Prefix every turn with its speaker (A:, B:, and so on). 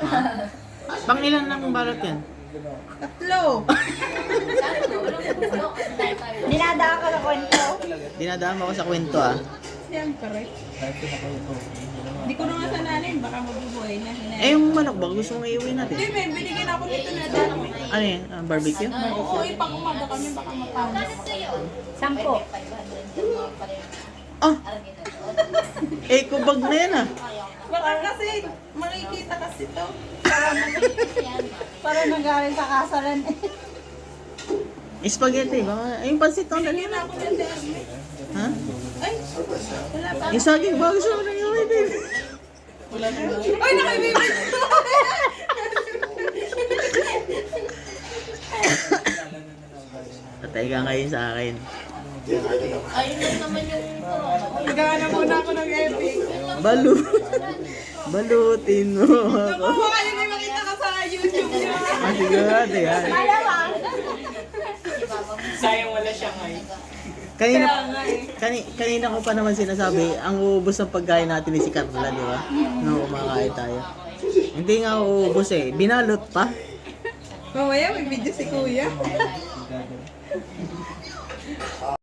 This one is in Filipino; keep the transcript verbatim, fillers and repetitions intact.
A: Pang ilan ng balot yan?
B: Tatlo.
C: Dinadaan ka na kwento.
A: Dinadaan mo ako sa kwento ah.
B: Siyempre. Hindi ko na nga sananin, baka mabubuhay na.
A: Eh yung manok ba? Gusto mong iuwi natin?
B: Hindi, may binigyan ako nito na dami.
A: Ano yun? Ah, barbecue?
B: Oo, ipang umaga kami, baka mapawag.
C: Sampo.
A: Ah! Eh, kubag na yan ah.
B: Baka kasi, makikita kasi to.
C: Para nanggaling sa kasalan eh.
A: Spaghetti, baka... Ay, yung pansit ang dali
B: Binigyan
A: na.
B: ako ng dami.
A: Ha?
B: Ay, wala pa.
A: Yung saging ba? Gusto mo nang iuwi din.
B: Ay, nakibibig!
A: Patay ka ngayon sa akin.
B: Maghanap muna ako ng epic.
A: Balu. Balutin mo ako.
B: Naku, baka yun ay makita ka sa YouTube niya.
A: Ah, sigurado yan.
C: Malamang.
D: Sayang wala siya ngayon.
A: Kanina,
B: Kaya nga eh.
A: kani, kanina ko pa naman sinasabi, ang uubos ng pagkain natin ni si Carla, di ba? Nung kumakain tayo. Hindi nga uubos eh. Binalot pa.
B: Mamaya may video si Kuya.